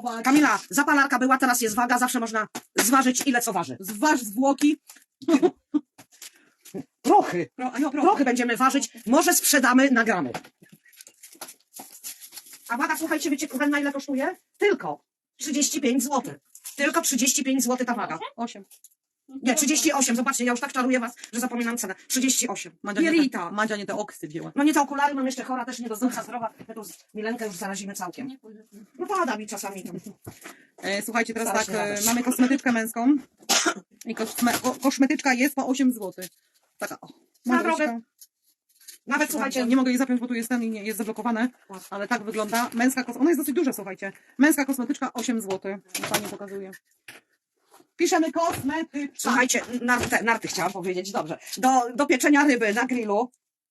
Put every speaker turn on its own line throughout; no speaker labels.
zwagować.
Kamila, zapalarka była, teraz jest waga, zawsze można zważyć, ile co waży.
Zważ zwłoki.
Prochy. Prochy będziemy ważyć, może sprzedamy na gramy. A waga, słuchajcie, wiecie, na ile kosztuje? Tylko 35 zł. Tylko 35 zł ta waga.
8.
Nie, 38, zobaczcie, ja już tak czaruję was, że zapominam cenę. 38. Pierita.
Madzia nie te oksy wzięła.
No nie te okulary, mam jeszcze chora, też nie do zdrowia zdrowa. My tu z Milenkę już zarazimy całkiem. No pada mi czasami tam.
Słuchajcie, teraz
Stara
tak,
się radość.
mamy kosmetyczkę męską. I kosmetyczka jest po 8 zł. Taka o.
Na
modryczka.
drogę. Nawet słuchajcie,
Nie mogę jej zapiąć, bo tu jest ten i nie jest zablokowane. Ale tak wygląda. Męska ona jest dosyć duża, słuchajcie. Męska kosmetyczka 8 zł. Pani pokazuje. Piszemy kosmetyczka.
słuchajcie, narty chciałam powiedzieć, dobrze. Do pieczenia ryby na grillu.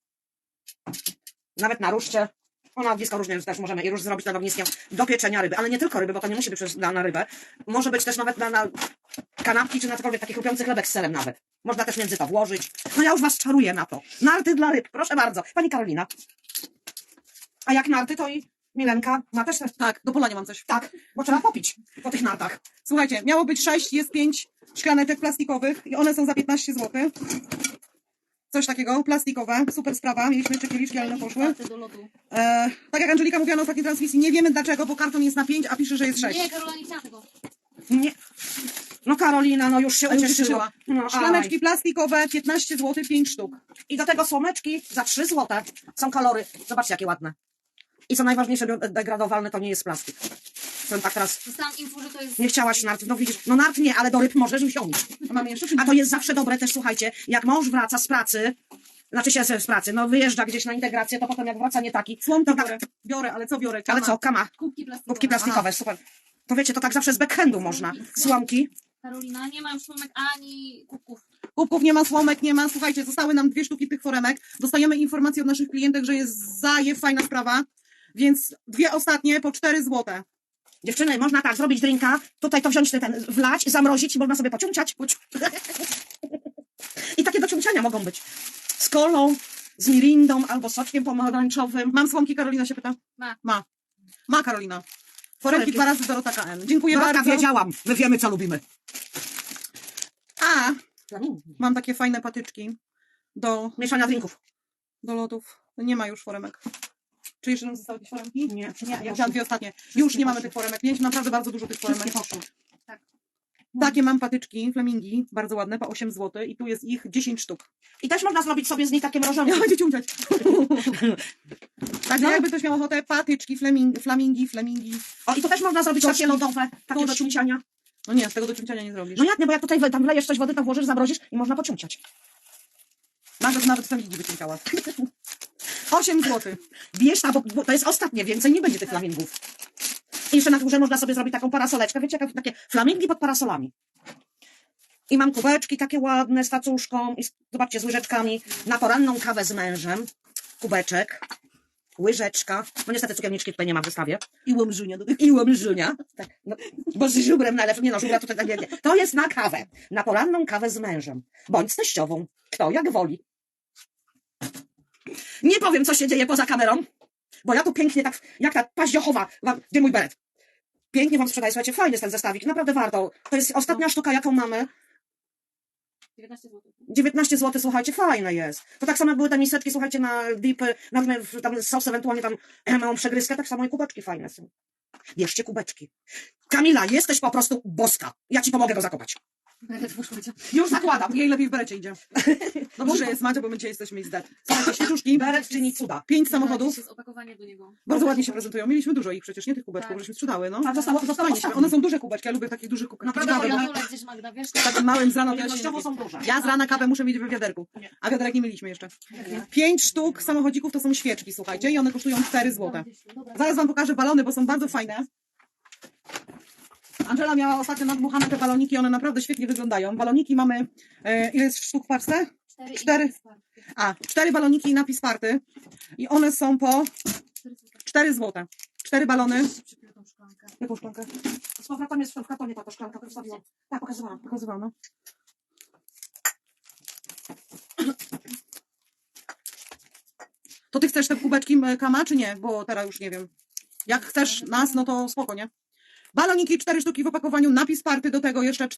Nawet na ruszcie. Na ognisko różnie też możemy i róż zrobić nad ogniskiem. Do pieczenia ryby, ale nie tylko ryby, bo to nie musi być na rybę. Może być też nawet na kanapki, czy na cokolwiek taki chrupiący chlebek z serem nawet. Można też między to włożyć. No ja już was czaruję na to. Narty dla ryb, proszę bardzo. Pani Karolina. A jak narty, to i Milenka ma też...
Tak, do polania mam coś.
Tak, bo trzeba popić po tych nartach.
Słuchajcie, miało być 6, jest 5 szklaneczek plastikowych i one są za 15 zł. Coś takiego, plastikowe, super sprawa. Mieliśmy jeszcze kieliszki, ale one poszły. Tak jak Angelika mówiła na ostatniej transmisji, nie wiemy dlaczego, bo karton jest na 5, a pisze, że jest 6.
Nie, Karola nie chciała tego.
Nie. No Karolina, no już się
A już
ucieszyła. No,
Szklaneczki plastikowe, 15 zł, 5 sztuk.
I do tego słomeczki za 3 zł. Są kolory. Zobaczcie, jakie ładne. I co najważniejsze, biodegradowalne to nie jest plastik. Powiem tak teraz,
Dostałam info, że to jest...
nie chciałaś nart, no widzisz, no nart nie, ale do ryb możesz wziąć.
A mamy jeszcze?
A to jest zawsze dobre też, słuchajcie, jak mąż wraca z pracy, znaczy się z pracy, no wyjeżdża gdzieś na integrację, to potem jak wraca nie taki.
Słomki
to tak,
biorę, ale co biorę?
ale co, kama,
Kubki plastikowe.
kubki plastikowe, super. To wiecie, to tak zawsze z backhandu można. Słomki.
Karolina, nie mam słomek ani kubków.
Kubków nie ma, słomek nie ma. Słuchajcie, zostały nam 2 sztuki tych foremek. Dostajemy informację od naszych klientek, że jest zajew, fajna sprawa. Więc 2 ostatnie po 4 zł.
Dziewczyny, można tak zrobić drinka, tutaj to wziąć, wlać, zamrozić i można sobie pociąciać. I takie do ciąciania mogą być. Z kolą, z mirindą albo soczkiem pomarańczowym.
Mam słomki, Karolina się pyta?
Ma.
Ma Karolina. Foremki 2 razy Dorota KN. Dziękuję
Dorotka,
bardzo.
wiedziałam, my wiemy co lubimy.
A, mam takie fajne patyczki do
Mieszania drinków.
lodów. Nie ma już foremek. Czy jeszcze nam zostały jakieś foremki?
Nie,
Ja wziąłam 2 ostatnie. Już nie mamy tych foremek. Mieliśmy naprawdę bardzo dużo tych foremek.
poszło.
Takie mam patyczki, flamingi, bardzo ładne, po 8 zł i tu jest ich 10 sztuk.
I też można zrobić sobie z nich takie mrożonki.
Ja będzie ciągać. Także
No.
jakby ktoś miał ochotę, patyczki, flamingi.
O, i to też można zrobić takie lodowe, takie do
Tości.
ciunciania.
No nie, z tego do ciąciania nie zrobisz.
No jak nie, bo jak tutaj tam wlejesz coś wody, to włożysz, zamrozisz i można pociąciać.
Nawet flamingi wyciągała. 8 zł.
Wiesz, bo to jest ostatnie, więcej nie będzie tych flamingów. I jeszcze na górze można sobie zrobić taką parasoleczkę, wiecie, takie flamingi pod parasolami. I mam kubeczki takie ładne z tacuszką i zobaczcie, z łyżeczkami. Na poranną kawę z mężem. Kubeczek. Łyżeczka. No niestety cukierniczki tutaj nie ma w wystawie.
I łomżunia do tego.
I łomżunia. Tak, no, bo z żubrem najlepsze. Nie no, żubra tutaj tak nie. To jest na kawę. Na poranną kawę z mężem. Bądź z teściową. Kto jak woli. Nie powiem, co się dzieje poza kamerą, bo ja tu pięknie tak, jak ta paździochowa, gdzie mój beret? Pięknie wam sprzedaję, słuchajcie, fajny jest ten zestawik, naprawdę warto. To jest ostatnia sztuka, jaką mamy.
19 zł.
19 zł, słuchajcie, fajne jest. To tak samo jak były te miseczki, słuchajcie, na dipy, tam sos, ewentualnie tam małą przegryzkę, tak samo i kubeczki fajne są. Bierzcie kubeczki. Kamila, jesteś po prostu boska. Ja ci pomogę go zakopać.
Już zakładam. Jej lepiej w berecie idzie. Dobrze, że jest Madzia, bo my dzisiaj jesteśmy ich zdat. Słuchajcie, świeczuszki.
Beret czyni cuda.
5 samochodów.
jest opakowanie do niego.
Bardzo ładnie się prezentują. Mieliśmy dużo ich przecież, nie tych kubeczków,
Tak.
żeśmy sprzedały, no.
A zostało
Fajnie się.
ostatnie.
One są duże kubeczki, ja lubię takich dużych kubeczków.
Naprawdę,
Kawę,
bo ja-
bo
Dole gdzieś Magda, wiesz?
takim małym z rana to ja się nie
Ilościowo
lubię.
są duże.
Ja z rana kawę muszę mieć w wiaderku. A wiaderek nie mieliśmy jeszcze. 5 sztuk samochodzików to są świeczki, słuchajcie, i one kosztują 4 zł. Zaraz wam pokażę balony, bo są bardzo fajne. Angela miała ostatnio nadmuchane te baloniki, one naprawdę świetnie wyglądają. Baloniki mamy, ile jest sztuk w parce? 4. 4 baloniki napis party i one są po 4 zł. 4 balony. Jaką szklankę?
Z powrotem jest w kartonie ta szklanka, to wstawiłam. Tak, pokazywałam.
Pokazywałam, no. To ty chcesz te kubeczki Kama, czy nie? Bo teraz już nie wiem. Jak chcesz nas, no to spoko, nie? Baloniki 4 sztuki w opakowaniu, napis party, do tego jeszcze